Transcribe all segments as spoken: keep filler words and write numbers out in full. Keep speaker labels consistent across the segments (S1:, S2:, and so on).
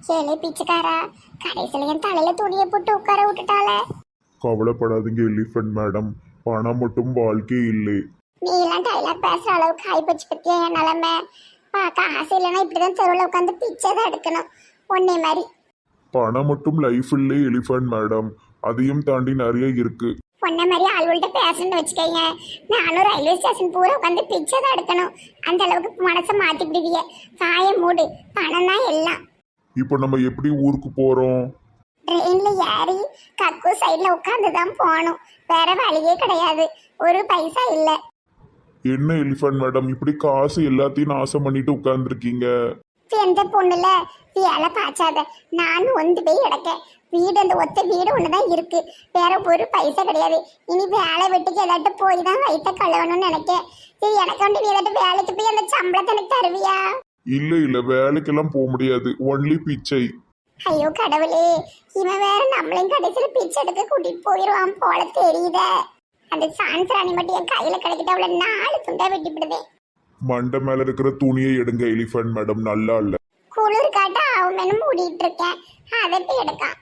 S1: கேளு பிச்சைக்காரா, கடைசியில என் தலையில துணியை போட்டு உட்கார விட்டுட்டாளே.
S2: கவலைப்படாதீங்க எலிஃபண்ட் மேடம், பணம் மட்டும் வாழ்க்கை இல்லை.
S1: நீ எல்லாம் டைலாக் பேசுற அளவுக்கு ஆயிப்போச்சு பத்தியா என் நிலைமை. பார்க்க ஆசை இல்லைன்னா இப்படிதான் தெருவில் உட்காந்து பிச்சை தான் எடுக்கணும் ஒன்னே மாதிரி.
S2: பணம் மட்டும் லைஃப் இல்லை எலிஃபண்ட் மேடம், அதையும் தாண்டி நிறைய இருக்கு.
S1: பொண்ணை மாதிரி ஆள்கள்ட்ட பேசணும்னு வச்சுக்கோங்க, நானும் ரயில்வே ஸ்டேஷன் பூரா உட்காந்து பிச்சை தான் எடுக்கணும். அந்த அளவுக்கு மனசை மாத்திப்பிடுவிய. காய மூடு, பணம் தான் எல்லாம்.
S2: இப்போ நம்ம எப்படி ஊருக்கு போறோம்?
S1: ட்ரெயின்ல ஏறி கக்கு சைட்ல உட்காந்து தான் போகணும். வேற வழியே கிடையாது. ஒரு பைசா இல்லை.
S2: என்ன எலிஃபண்ட் மேடம் இப்படி காசு எல்லாத்தையும் நாசம் பண்ணிட்டு உட்கார்ந்துருக்கீங்க?
S1: எந்த பொண்ணுல வேலை பாய்ச்சாத. நானும் ஒந்து போய் கிடக்க. வீடு அந்த ஒத்த வீடு ஒண்ணுதான் இருக்கு. வேற ஒரு பைசா கிடையாது. இனி வேலை வெட்டிக்கு ஏதாட்டு போய் தான் வயிற்ற கழுவணும்னு நினைக்கேன். சரி, எனக்கு வந்து நீ ஏதாட்டு வேலைக்கு போய் அந்த சம்பளத்தை எனக்கு தருவியா?
S2: இல்ல இல்ல, வேலைக்கெல்லாம் போக முடியாது, ஒன்லி பிச்சை.
S1: ஐயோ கடவுளே, இவன் வேற நம்மளையும் கடைசியில பிச்சை எடுக்க கூட்டிட்டு போயிடுவான் போல தெரியுத. அந்த சான்ஸ் ராணி மட்டும் என் கையில கிடைக்கிட்ட அவளை நாலு துண்டா வெட்டிவிடுதே.
S2: மண்டை மேல இருக்கிற துணியை எடுங்க எலிஃபண்ட் மேடம், நல்லா இல்ல.
S1: குளிர் காட்ட அவன் மேலும் மூடிட்டு இருக்கேன், அதை போய் எடுக்கான்.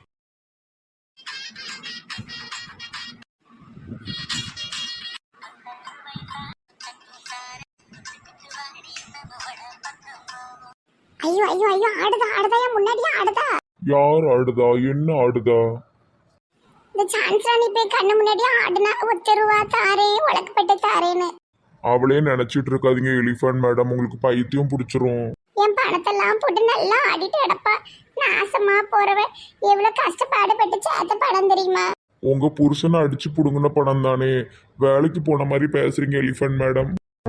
S1: ஐயோ ஐயோ ஐயோ, ஆடுதா ஆடுதா, என் முன்னாடியே ஆடுதா.
S2: யார் ஆடுதா? என்ன ஆடுதா?
S1: இந்த சான்ஸ் ராணி போய் கண்ணு முன்னாடியே ஆடுனா ஒத்த ரூபா தாரே, உலக்கப்பட்டு தாரேன்னு.
S2: அவளே நினைச்சிட்டு இருக்காதீங்க எலிஃபண்ட் மேடம், உங்களுக்கு பைத்தியம் பிடிச்சிரும்.
S1: என் பணத்தெல்லாம் போட்டு நல்லா ஆடிட்டு கிடப்பா. நாசமா போறவ எவ்வளவு கஷ்டப்பாடுபட்டு சேர்த்த படம் தெரியுமா?
S2: உங்க புருஷனை அடிச்சு புடுங்கின பணம் தானே. வேலைக்கு போன மாதிரி பேசுறீங்க எலிஃபண்ட் மேடம்.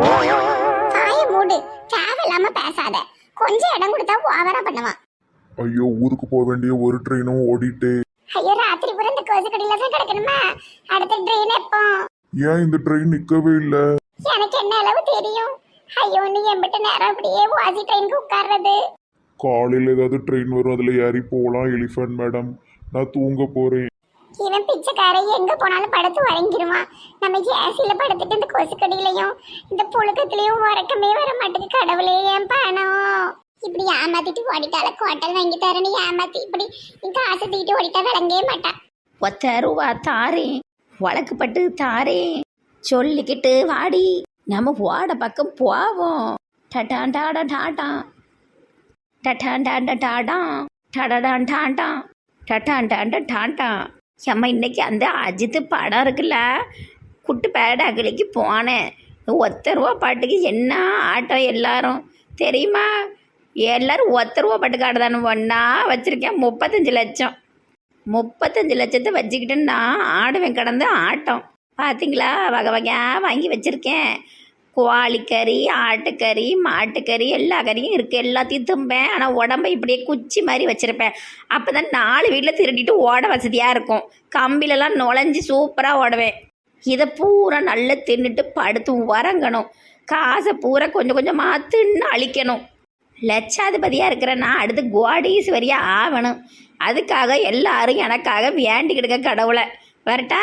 S1: காய மூடு, தேவையில்லாம பேசாத. கொஞ்சம் இடம் கொடுத்தா ஓவரா பண்ணுவான்.
S2: ஐயோ, ஊருக்கு போக வேண்டிய ஒரு ட்ரெயினும் ஓடிட்டு.
S1: ஐயோ, ராத்திரி பூரா இந்த கோசு கடையில தான் கிடக்கணுமா? அடுத்த ட்ரெயின் எப்போ?
S2: ஏன் இந்த ட்ரெயின் நிக்கவே இல்ல?
S1: எனக்கு என்ன அளவு தெரியும்? ஐயோ, நீ எம்பிட்ட நேரம் அப்படியே வாசி ட்ரெயினுக்கு உட்கார்றது.
S2: காலையில ஏதாவது ட்ரெயின் வரும், அதுல ஏறி போகலாம் எலிஃபண்ட் மேடம். நான் தூங்க போறேன்.
S1: இவன் பிச்சைக்காரன் எங்க போனாலும் படுத்து வழங்கிடுவான். நம்ம ஏசியில படுத்துட்டு இந்த கொசு கடியிலையும் இந்த புழுக்கத்திலையும் உறக்கமே வர மாட்டேங்குது. கடவுளே, என் பணம் இப்படி ஏமாத்திட்டு ஓடிட்டால. கோட்டல் வாங்கி தரேன்னு ஏமாத்தி இப்படி இங்க ஆசை தூக்கிட்டு ஓடிட்டா விளங்கவே மாட்டான்.
S3: ஒத்த ரூபா தாரேன், வழக்குப்பட்டு தாரேன் சொல்லிக்கிட்டு வாடி, நம்ம ஓட பக்கம் போவோம். டட்டான் டாடா டாட்டான் டட்டான் டாண்டா டாடான் டடாடான் டாண்டான் டட்டான் டாண்டா டாண்டான். அம்மா, இன்னைக்கு அந்த அஜித்து படம் இருக்குல்ல, குட்டு பேட அகலிக்கு போனேன். ஒத்த ரூபா பாட்டுக்கு என்ன ஆட்டம் எல்லாரும் தெரியுமா? எல்லாரும் ஒத்த ரூபா பாட்டுக்கு ஆடுதானு ஒன்றா வச்சுருக்கேன். முப்பத்தஞ்சு லட்சம் முப்பத்தஞ்சு லட்சத்தை வச்சுக்கிட்டு நான் ஆடுவேன் கடந்து ஆட்டம். பார்த்தீங்களா? வகை வகையாக வாங்கி வச்சுருக்கேன். கோழிக்கறி, ஆட்டுக்கறி, மாட்டுக்கறி, எல்லா கறியும் இருக்குது. எல்லாத்தையும் தும்பேன். ஆனால் உடம்பை இப்படியே குச்சி மாதிரி வச்சுருப்பேன். அப்போ தான் நாலு வீட்டில் திருடிட்டு ஓட வசதியாக இருக்கும். கம்பிலெல்லாம் நுழைஞ்சி சூப்பராக ஓடுவேன். இதை பூரா நல்லா தின்னுட்டு படுத்து உறங்கணும். காசை பூரா கொஞ்சம் கொஞ்சமாக தின்னு அழிக்கணும். லட்சாதிபதியாக இருக்கிற நான் அடுத்து கோடீஸ்வரியாக ஆகணும். அதுக்காக எல்லாரும் எனக்காக வேண்டிக்கிடுங்க கடவுளை. வரட்டா?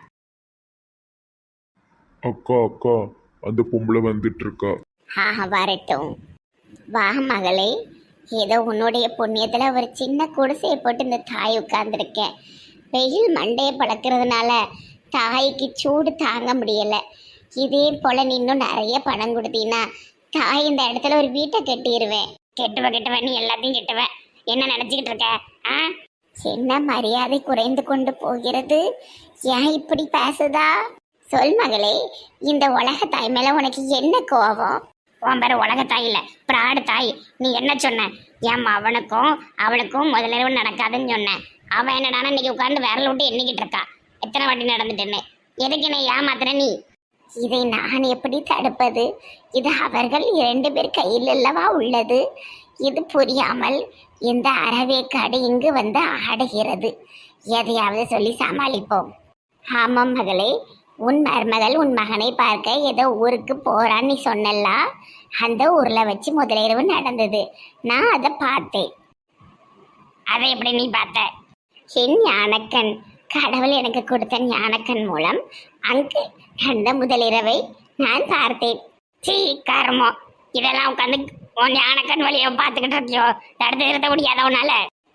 S2: அக்கா அக்கா, அந்த பொம்பளை வந்துட்டு இருக்கா.
S1: ஆஹா, வரட்டும். வா மகளே, ஏதோ உன்னுடைய புண்ணியத்துல ஒரு சின்ன குடிசையை போட்டு இந்த தாய் உட்கார்ந்துருக்கேன். வெயில் மண்டையை பழக்கிறதுனால தாய்க்கு சூடு தாங்க முடியலை. இதே போல நீ இன்னும் நிறைய பணம் கொடுத்தீங்கன்னா தாய் இந்த இடத்துல ஒரு வீட்டை கட்டிடுவேன். கெட்டுவ கெட்டுவ நீ எல்லாத்தையும் கெட்டுவ. என்ன நினச்சிக்கிட்டு இருக்க? ஆ, என்ன மரியாதை குறைந்து கொண்டு போகிறது? ஏன் இப்படி பேசுதா? சொல் மகளே, இந்த உலக தாய் மேல உனக்கு என்ன கோபம்? உன் பேர் உலக தாய் இல்லை, பிராடு தாய். நீ என்ன சொன்ன? ஏன் அவனுக்கும் அவளுக்கும் முதலிரவு நடக்காதுன்னு சொன்னேன். அவன் என்னடானா இன்னைக்கு உட்காந்து விரல விட்டு எண்ணிக்கிட்டு இருக்கா எத்தனை வாட்டி நடந்துட்டேன்னு. எதுக்கு என்ன ஏமாத்துற நீ? இதை நான் எப்படி தடுப்பது? இது அவர்கள் இரண்டு பேர் கையில் அல்லவா உள்ளது. இது புரியாமல் இந்த அறவேக்காடு இங்கு வந்து ஆடுகிறது. எதையாவது சொல்லி சமாளிப்போம். ஆமாம் மகளே, உன் மருமகள் உன் மகனை பார்க்க ஏதோ ஊருக்கு போறான்னு நீ சொன்னல. அந்த ஊர்ல வச்சு முதலிரவு நடந்தது. நான் அதை பார்த்தேன். அதை எப்படி நீ பார்த்த? என் ஞானக்கண், கடவுள் எனக்கு கொடுத்த ஞானக்கண் மூலம் அங்கு அந்த முதலிரவை நான் பார்த்தேன். சீ கர்மம், இதெல்லாம் உட்காந்து உன் ஞானக்கண் வழியை பார்த்துக்கிட்டு இருக்கியோ? தடுத்து நிறுத்த முடியாத உன்னால?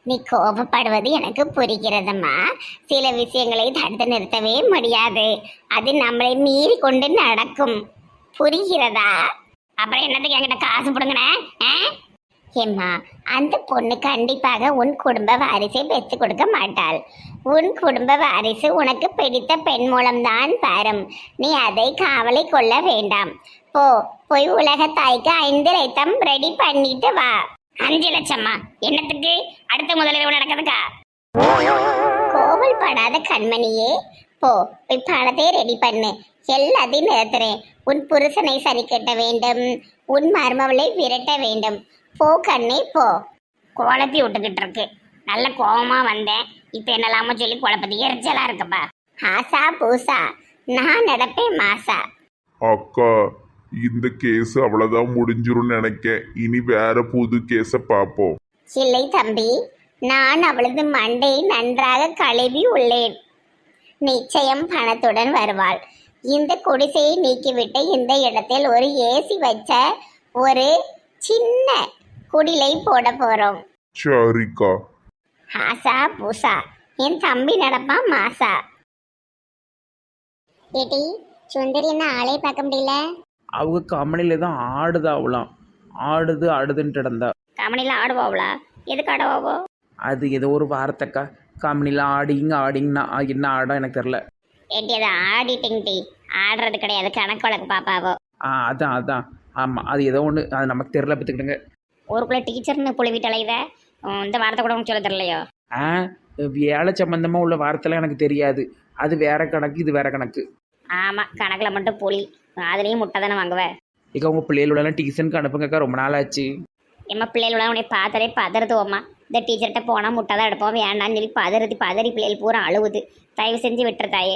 S1: நீ கோபப்படுவது எனக்கு புரிகிறதம்மா. சில விஷயங்களை தடுத்து நிறுத்தவே முடியாது. அது நம்மளை மீறி கொண்டு நடக்கும். புரிகிறதா? அப்புறம் என்னத்துக்கு என்கிட்ட காசு போடுங்கண்ணே? ஏம்மா, அந்த பொண்ணு கண்டிப்பாக உன் குடும்ப வாரிசை பெற்று கொடுக்க மாட்டாள். உன் குடும்ப வாரிசு உனக்கு பிடித்த பெண் மூலம்தான் வரும். நீ அதை காவலை கொள்ள வேண்டாம். போ, போய் உலக தாய்க்கு ஐந்து லட்சம் ரெடி பண்ணிட்டு வா. அஞ்சு லட்சமா? என்னத்துக்கு? அடுத்த முதலிரவு நடக்குதுக்கா? கோவல் படாத கண்மணியே, போ போய் பணத்தை ரெடி பண்ணு. எல்லாத்தையும் நிறுத்துறேன். உன் புருஷனை சரி கட்ட வேண்டும். உன் மருமவளை விரட்ட வேண்டும். போ கண்ணே போ. குழப்பி விட்டுக்கிட்டு இருக்கு. நல்ல கோபமா வந்தேன். இப்ப என்னலாமோ சொல்லி குழப்பதி எரிச்சலா இருக்குப்பா. ஆசா பூசா, நான் நடப்பேன் மாசா.
S2: அக்கா, இந்த கேஸ் அவ்வளவுதான் முடிஞ்சிரும்னு நினைக்கேன். இனி வேற புது கேஸ பார்ப்போம்.
S1: இல்லை தம்பி, நான் அவளது மண்டையை நன்றாக கழுவி உள்ளேன். நிச்சயம் பணத்துடன் வருவாள். இந்த குடிசையை நீக்கிவிட்டு இந்த இடத்தில் ஒரு ஏசி வச்ச ஒரு சின்ன குடிலை போட போறோம்.
S2: சரிக்கா.
S1: ஆசா பூசா, என் தம்பி நடப்பான் மாசா. ஏடி சுந்தரி, என்ன ஆளே பார்க்க முடியல?
S4: அவங்க கம்பெனியில தான் ஆடுதாவலாம். ஆடுது ஆடுதுன்ட்டு கிடந்தா.
S1: கம்பெனில ஆடுவாவளா? எதுக்கு ஆடுவாவோ?
S4: அது ஏதோ ஒரு வார்த்தைக்கா. கம்பெனியில் ஆடிங்க ஆடிங்கன்னா என்ன ஆடம் எனக்கு தெரில.
S1: ஏடி அதை ஆடிட்டிங் டி, ஆடுறது கிடையாது, கணக்கு வழக்கு பாப்பாவோ.
S4: ஆ அதான் அதான் ஆமாம், அது ஏதோ ஒன்று, அது நமக்கு தெரில பார்த்துக்கிட்டுங்க.
S1: ஊருக்குள்ள டீச்சர்னு புழுவிட்டலை இதை இந்த வார்த்தை கூட உங்களுக்கு சொல்ல தெரியலையோ?
S4: ஆ வேலை சம்மந்தமாக உள்ள வார்த்தைலாம் எனக்கு தெரியாது. அது வேற கணக்கு, இது வேற கணக்கு.
S1: ஆமா, கணக்குல மட்டும் புலி, அதுலேயும் முட்டை தானே வாங்குவேன்.
S4: இக்கா உங்கள் பிள்ளைகளோடலாம் டியூஷனுக்கு அனுப்புங்கக்கா, ரொம்ப நாள் ஆச்சு.
S1: எம்மா பிள்ளைகளோட உன்னை பார்த்தாலே பதறுதுவோம்மா. இந்த டீச்சர்கிட்ட போனால் முட்டை தான் எடுப்போம், வேண்டான்னு சொல்லி பதறுதி பதறி பிள்ளைகள் பூரா அழுவுது. தயவு செஞ்சு விட்டுருதாயே.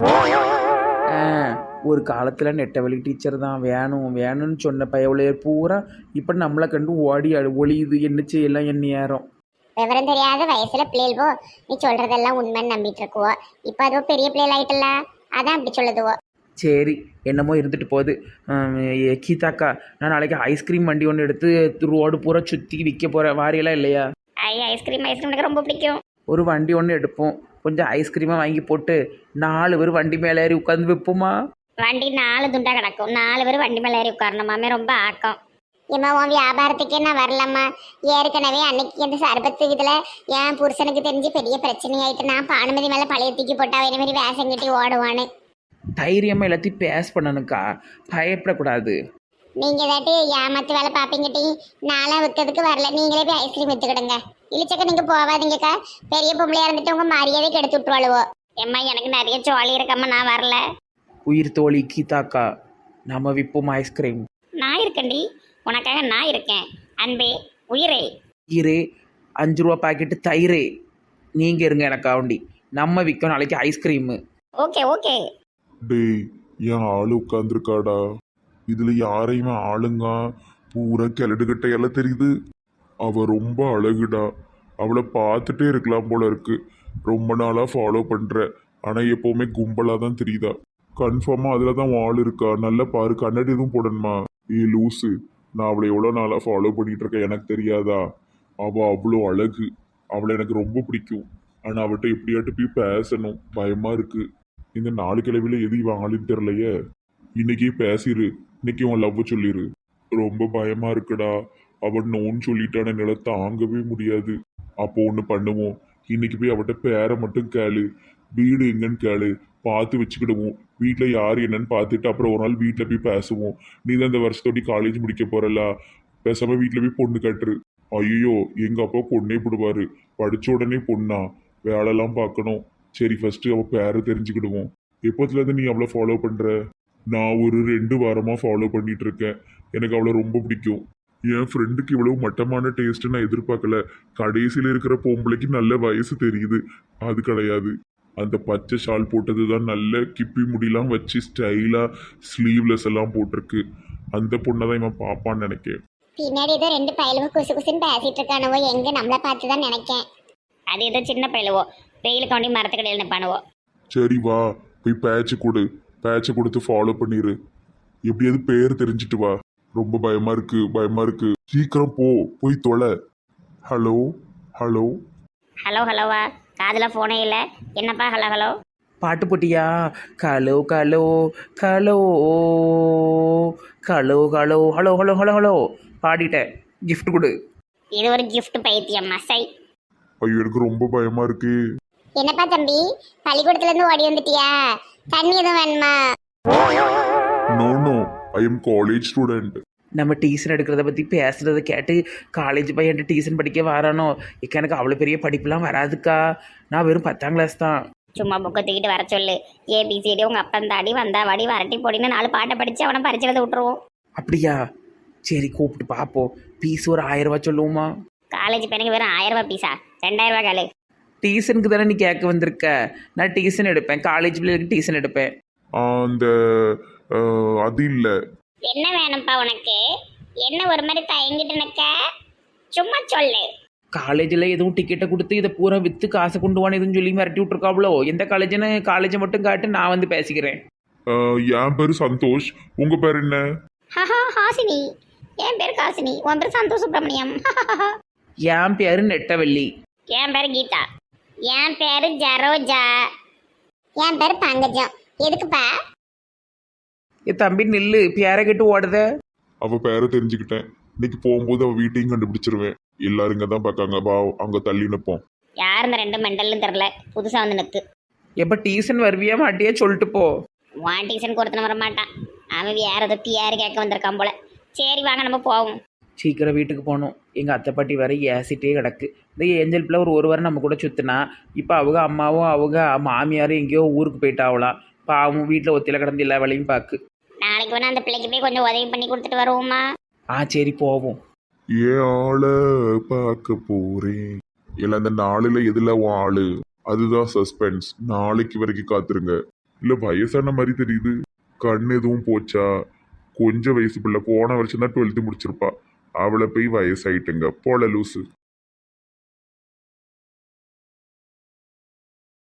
S4: ஆ ஒரு காலத்தில் நெட்டவழி டீச்சர் தான் வேணும் வேணும்னு சொன்ன பயவுளைய பூரா இப்போ நம்மளை கண்டு ஓடி அழு ஒளியுது. என்ன செய்யலாம் என் நேரம்.
S1: விவரம் தெரியாத வயசுல பிள்ளைகள் போ, நீ சொல்றதெல்லாம் உண்மைன்னு நம்பிட்டு இருக்குவோ. இப்போ அதுவோ பெரிய பிள்ளைகள் ஆயிட்டல, அதான் அப்படி சொல்லுதுவோ.
S4: சரி, என்னமோ இருந்துட்டு போகுது. கீதாக்கா, நான் நாளைக்கு ஐஸ்கிரீம் வண்டி ஒன்று எடுத்து ரோடு பூரா சுற்றி விற்க போகிறேன். வாரியெல்லாம் இல்லையா?
S1: ஐ ஐஸ்கிரீம் ஐஸ்கிரீம் எனக்கு ரொம்ப பிடிக்கும்.
S4: ஒரு வண்டி ஒன்று எடுப்போம். கொஞ்சம் ஐஸ்கிரீமாக வாங்கி போட்டு நாலு பேர் வண்டி மேலே ஏறி உட்காந்து விற்போமா?
S1: வண்டி நாலு துண்டா கிடக்கும், நாலு பேர் வண்டி மேலே ஏறி உட்காரணுமாமே, ரொம்ப ஆக்கம். ஏம்மா, உன் வியாபாரத்துக்கே நான் வரலம்மா. ஏற்கனவே அன்னைக்கு இந்த சர்பத்து இதில் என் புருஷனுக்கு தெரிஞ்சு பெரிய பிரச்சனையாயிட்டு நான் பானுமதி மேலே பழைய தூக்கி போட்டா வேற மாதிரி வேஷம் கட்டி ஓடுவான்னு.
S4: தைரியமாக எல்லாத்தையும் பேஸ் பண்ணணுக்கா, பயப்படக்கூடாது.
S1: நீங்க ஏதாட்டி ஏமாத்து வேலை பாப்பீங்கட்டி. நாளாக விற்கிறதுக்கு வரல, நீங்களே போய் ஐஸ்கிரீம் வித்துக்கிடுங்க. இழிச்சக்க நீங்க போவாதீங்கக்கா, பெரிய பொம்பளையா இருந்துட்டு உங்க மரியாதை கெடுத்து விட்டுருவாளுவோ. எம்மா, எனக்கு நிறைய சோழி இருக்கம்மா, நான் வரல.
S4: உயிர் தோழி கீதாக்கா, நம்ம விற்போம் ஐஸ்கிரீம்.
S1: நான் இருக்கேன்டி, உனக்காக நான் இருக்கேன். அன்பே, உயிரே.
S4: ஈரே, அஞ்சு ரூபா பாக்கெட்டு தயிரே. நீங்கள் இருங்க எனக்காண்டி, நம்ம விற்கும் நாளைக்கு ஐஸ்கிரீமு.
S1: Okay okay.
S2: டேய், என் ஆளு உட்காந்துருக்காடா. இதுல யாரையுமே ஆளுங்க பூரா கிளடுகட்டையெல்லாம் தெரியுது. அவ ரொம்ப அழகுடா. அவளை பார்த்துட்டே இருக்கலாம் போல இருக்கு. ரொம்ப நாளா ஃபாலோ பண்ற, ஆனா எப்பவுமே கும்பலா தான் தெரியுதா. கன்ஃபார்மா அதுல தான் ஆள் இருக்கா. நல்லா பாரு, கண்ணாடி எதுவும் போடணுமா? ஏ லூசு, நான் அவளை எவ்வளோ நாளா ஃபாலோ பண்ணிட்டு இருக்கேன், எனக்கு தெரியாதா? அவ அவ்வளோ அழகு. அவளை எனக்கு ரொம்ப பிடிக்கும். ஆனா அவட்ட எப்படியாட்டு போய் பேசணும், பயமா இருக்கு. இந்த நாலு கிழவில எது இவன் ஆளுன்னு தெரியலையே. இன்னைக்கே பேசிரு, இன்னைக்கு உன் லவ் சொல்லிரு. ரொம்ப பயமா இருக்குடா. அவன் நோன்னு சொல்லிட்டான, என்னால தாங்கவே முடியாது. அப்போ ஒன்று பண்ணுவோம், இன்னைக்கு போய் அவட்ட பேரை மட்டும் கேளு, வீடு எங்கன்னு கேளு, பார்த்து வச்சுக்கிடுவோம். வீட்டில் யார் என்னன்னு பார்த்துட்டு அப்புறம் ஒரு நாள் வீட்டில் போய் பேசுவோம். நீ தான் இந்த வருஷத்தோடி காலேஜ் முடிக்க போறல, பேசாம வீட்டில் போய் பொண்ணு கட்டுரு. ஐயோ, எங்க அப்பா பொண்ணே போடுவாரு. படிச்ச உடனே பொண்ணா, வேலைலாம் பார்க்கணும். சரி, ஃபர்ஸ்ட் அவ பேரை தெரிஞ்சுக்கிடுவோம். எப்போத்துல இருந்து நீ அவளை ஃபாலோ பண்ற? நான் ஒரு ரெண்டு வாரமா ஃபாலோ பண்ணிட்டு இருக்கேன். எனக்கு அவளை ரொம்ப பிடிக்கும். என் ஃப்ரெண்டுக்கு இவ்வளவு மட்டமான டேஸ்ட் நான் எதிர்பார்க்கல. கடைசியில் இருக்கிற பொம்பளைக்கு நல்ல வயசு தெரியுது, அது கிடையாது. அந்த பச்சை ஷால் போட்டது தான் நல்ல கிப்பி முடியெல்லாம் வச்சு ஸ்டைலா ஸ்லீவ்லெஸ் எல்லாம் போட்டிருக்கு. அந்த பொண்ணை தான் இவன் பாப்பான்னு நினைக்கேன்.
S1: பின்னாடி ஏதோ ரெண்டு பயலுவோ குசு குசுன்னு பேசிட்டு இருக்கானுவோ, எங்க நம்மளை பார்த்து தான் நினைக்கேன். அது ஏதோ சின்ன பயலுவோ, வெயிலுக்காண்டி மரத்துக்கடையில் நிற்பானுவோ.
S2: சரி வா, போய் பேட்சை கொடு, பேட்சை கொடுத்து ஃபாலோ பண்ணிடு. எப்படியாவது பேர் தெரிஞ்சுட்டு வா. ரொம்ப பயமா இருக்கு, பயமா இருக்கு. சீக்கிரம் போ, போய் தொலை. ஹலோ ஹலோ
S1: ஹலோ ஹலோவா காதில் ஃபோனே இல்லை என்னப்பா ஹலோ ஹலோ.
S4: பாட்டு போட்டியா? Hello hello hello hello hello hello hello hello hello பாடிட்டேன். கிஃப்ட் கொடு.
S1: இது ஒரு gift பைத்தியம் மசை.
S2: ஐயோ எனக்கு ரொம்ப பயமா இருக்கு.
S1: என்னப்பா தம்பி பள்ளிக்கூடத்துல இருந்து ஓடி வந்துட்டியா? தண்ணி எதுவும் வேணுமா?
S2: No no, I am college student.
S4: நம்ம டியூஷன் எடுக்கிறத பற்றி பேசுகிறத கேட்டு காலேஜ் பையன் டியூஷன் படிக்க வரானோ. இக்க எனக்கு அவ்வளோ பெரிய படிப்புலாம் வராதுக்கா. நான் வெறும் பத்தாம் கிளாஸ் தான்.
S1: சும்மா புக்கை தூக்கிட்டு வர சொல்லு. ஏபிசிடி உங்க அப்பன் தாடி வந்தா வாடி வரட்டி போடின்னு நாலு பாட்டை படிச்சு அவனை பரிச்சதை விட்டுருவோம்.
S4: அப்படியா? சரி கூப்பிட்டு பார்ப்போம். பீஸ் ஒரு ஆயிரம் ரூபா சொல்லுவோமா?
S1: காலேஜ் பையனுக்கு வெறும் ஆயிரம் ரூபாய் பீஸா? ரெண்டாயிரம் ரூபாய் காலு.
S4: டியூஷனுக்கு தானே நீ கேட்க வந்திருக்க. நான் டியூஷன் எடுப்பேன், காலேஜ் பிள்ளைகளுக்கு டியூஷன் எடுப்பேன்.
S2: அந்த அஹ், அது இல்லை.
S1: என்ன வேணும்ப்பா உனக்கு? என்ன ஒரு மாதிரி தயங்கிட்டு நிக்க? சும்மா சொல்லு.
S4: காலேஜில் எதுவும் டிக்கெட்டை கொடுத்து இதை பூரா விற்று காசை கொண்டு வான்னு எதுவும் சொல்லி மிரட்டி விட்ருக்காவளோ? எந்த காலேஜ்னு காலேஜை மட்டும் காட்டு, நான் வந்து பேசிக்கிறேன்.
S2: அஹ், என் பேரு சந்தோஷ். உங்க பேர் என்ன?
S1: ஹஹா ஹாசினி. என் பேர் காசினி. உன் பேர் சந்தோஷ் சுப்பிரமணியம்.
S4: என் பேரு நெட்டவள்ளி.
S1: என் பேர் கீதா. என் பேரு ஜரோஜா. என் பேர் பங்கஜம். எதுக்குப்பா?
S4: என் தம்பி நில்லு, பேரை கேட்டு ஓடுத.
S2: அவ பேரை தெரிஞ்சுக்கிட்டேன். இன்னைக்கு போகும்போது அவ வீட்டையும் கண்டுபிடிச்சிருவேன். எல்லாரும் இங்க தான் பார்க்காங்க. வா அங்க தள்ளி நிப்போம்.
S1: யார் இந்த ரெண்டு மெண்டல்னு தெரில, புதுசா வந்து நிற்கு.
S4: எப்போ டியூஷன் வருவியா மாட்டியா சொல்லிட்டு போ.
S1: வான் டியூஷனுக்கு ஒருத்தன வர மாட்டான். அவன் வேற ஏதோ பியாரு கேட்க வந்திருக்கான் போல. சரி வாங்க நம்ம போவோம்.
S4: சீக்கிரம் வீட்டுக்கு போகணும். எங்கள் அத்தை பாட்டி வேற ஏசிட்டே கிடக்கு. இந்த ஏஞ்சல் பிள்ளை ஒரு ஒரு வாரம் நம்ம கூட சுற்றினா, இப்போ அவங்க அம்மாவும் அவங்க மாமியாரும் எங்கேயோ ஊருக்கு போயிட்டாவலாம். பாவம் வீட்டில் ஒத்தியில் கிடந்து எல்லா வேலையும் பார்க்கு.
S1: நாளைக்கு வேணா அந்த பிள்ளைக்கு போய் கொஞ்சம் உதவி பண்ணி கொடுத்துட்டு வருவோமா?
S4: ஆ சரி போவோம்.
S2: ஏன் ஆள பார்க்க போறேன். இல்ல அந்த நாளுல எதுல உன் ஆளு? அதுதான் சஸ்பென்ஸ். நாளைக்கு வரைக்கும் காத்துருங்க. இல்ல வயசான மாதிரி தெரியுது. கண் எதுவும் போச்சா? கொஞ்சம் வயசு பிள்ளை. போன வருஷம் தான் டுவெல்த்து முடிச்சிருப்பா. அவளை போய் வயசாயிட்டுங்க போல லூசு.